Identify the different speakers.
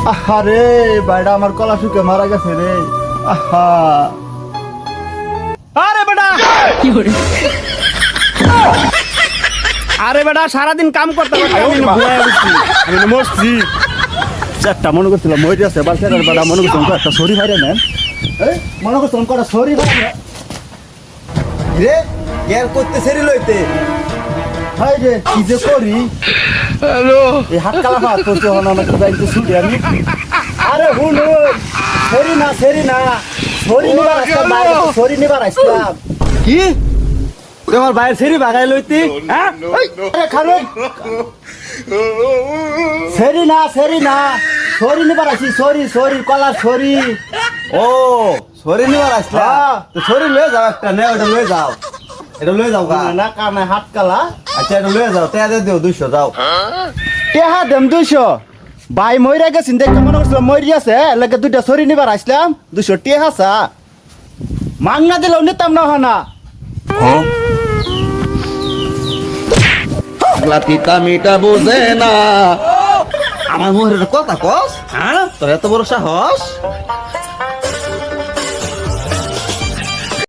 Speaker 1: আহারে বাইডা আমার কলা শুকে মারা গেছে রে। আহা
Speaker 2: আরে বেটা আরে বেটা সারাদিন কাম করতে করতে আমি ভুলে গেছি।
Speaker 1: আমি তো মরছি। চারটা মনে করছিলাম মরে আছে বাচ্চার বেড়া মনে করছিলাম একটা সরি ভাইরে নেন। মনে করছিলাম কটা সরি ভাই
Speaker 3: রে গের করতে সেরি লইতে
Speaker 1: ভাই রে কি যে করি। এই হাত কালা ভাত করতে হলো না তো যাইতে ছুটি আমি। আরে হুন সরি না সরি না সরি নিবার আসলাম বাইরে সরি নিবার আসলাম।
Speaker 3: কি তুই আমার বাইরে সেরি ভাগাই লইতি
Speaker 1: হ্যাঁ আরে খালো সরি না সরি নিবার আসি সরি সরি কলা সরি।
Speaker 3: ও সরি নিবার আসলা তো সরি লয়ে যাও একটা নে ওটা লয়ে যাও এটা লয়ে যাও গা
Speaker 1: না কানে হাত কালা
Speaker 3: আচ্ছা এটা লয়ে যাও তে দিও 200 যাও
Speaker 1: টেহা দেম 200 ভাই মইরা গেছিন দেখতে মনে করছিলাম মরি আছে লাগে দুইটা সরি নিবার আসলাম 200 টেহা সা মাংনা দিলেও নিতাম না হনা।
Speaker 3: লাতিতা মিটা বুঝে না আমার মোহরের কথা কস হ্যাঁ তোর এত বড় সাহস